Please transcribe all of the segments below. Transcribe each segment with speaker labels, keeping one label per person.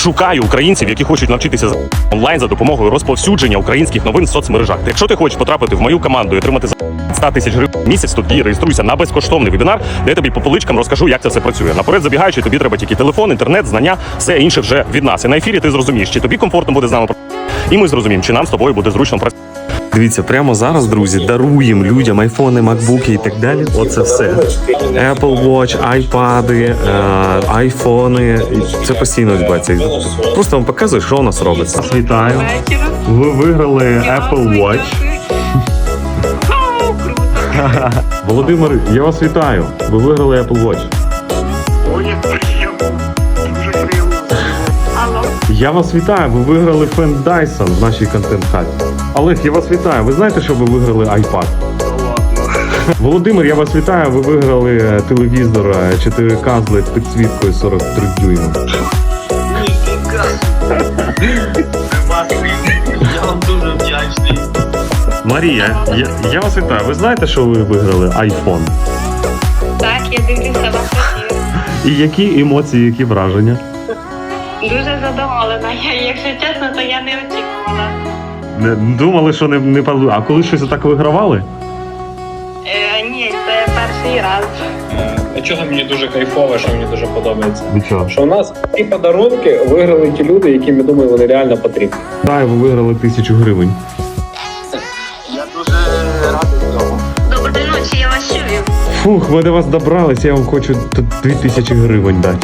Speaker 1: Шукаю українців, які хочуть навчитися онлайн за допомогою розповсюдження українських новин в соцмережах. Якщо ти хочеш потрапити в мою команду і отримати 100 тисяч гривень в місяць, тоді реєструйся на безкоштовний вебінар, де я тобі по поличкам розкажу, як це все працює. Наперед забігаючи, тобі треба тільки телефон, інтернет, знання, все інше вже від нас. І на ефірі ти зрозумієш, чи тобі комфортно буде з нами працювати, і ми зрозуміємо, чи нам з тобою буде зручно працювати. Дивіться, прямо зараз, друзі, даруємо людям айфони, макбуки і так далі. Оце все. Apple Watch, айпади, айфони. Це постійно відбувається. Просто вам показую, що у нас робиться. Вітаю. Ви виграли Apple Watch. Володимир, я вас вітаю. Ви виграли Apple Watch. Я вас вітаю, ви виграли фен Dyson в нашій контент-хаті. Олег, я вас вітаю. Ви знаєте, що ви виграли iPad? Володимир, я вас вітаю, ви виграли телевізор 4К з LED підсвіткою 43 дюйма.
Speaker 2: Я вам дуже вдячний.
Speaker 1: Марія, я вас вітаю. Ви знаєте, що ви виграли iPhone?
Speaker 3: Так, я дивлюся вас ефір.
Speaker 1: І які емоції, які враження?
Speaker 3: Дуже задоволена. Якщо чесно, то я не очікувала.
Speaker 1: Думали, що не паду. А коли щось так вигравали?
Speaker 3: Ні, це перший раз.
Speaker 2: Чого мені дуже кайфово, що мені дуже подобається.
Speaker 1: Нічого.
Speaker 2: Що у нас ці подарунки виграли ті люди, яким, я думаю, вони реально потрібні.
Speaker 1: Так, ви виграли 1000 гривень.
Speaker 2: Я дуже радий цьому.
Speaker 3: Доброї ночі, я вас чую.
Speaker 1: Фух, ми до вас добрались, я вам хочу 2000 гривень дати.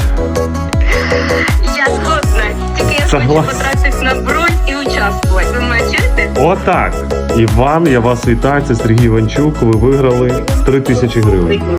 Speaker 3: Я згодна. Тільки я хочу
Speaker 1: Согласен.
Speaker 3: потратити на бронь і участвувати. Ви мене чуєте?
Speaker 1: Отак. Іван, я вас вітаю, це Сергій Іванчук, ви виграли 3000 гривень.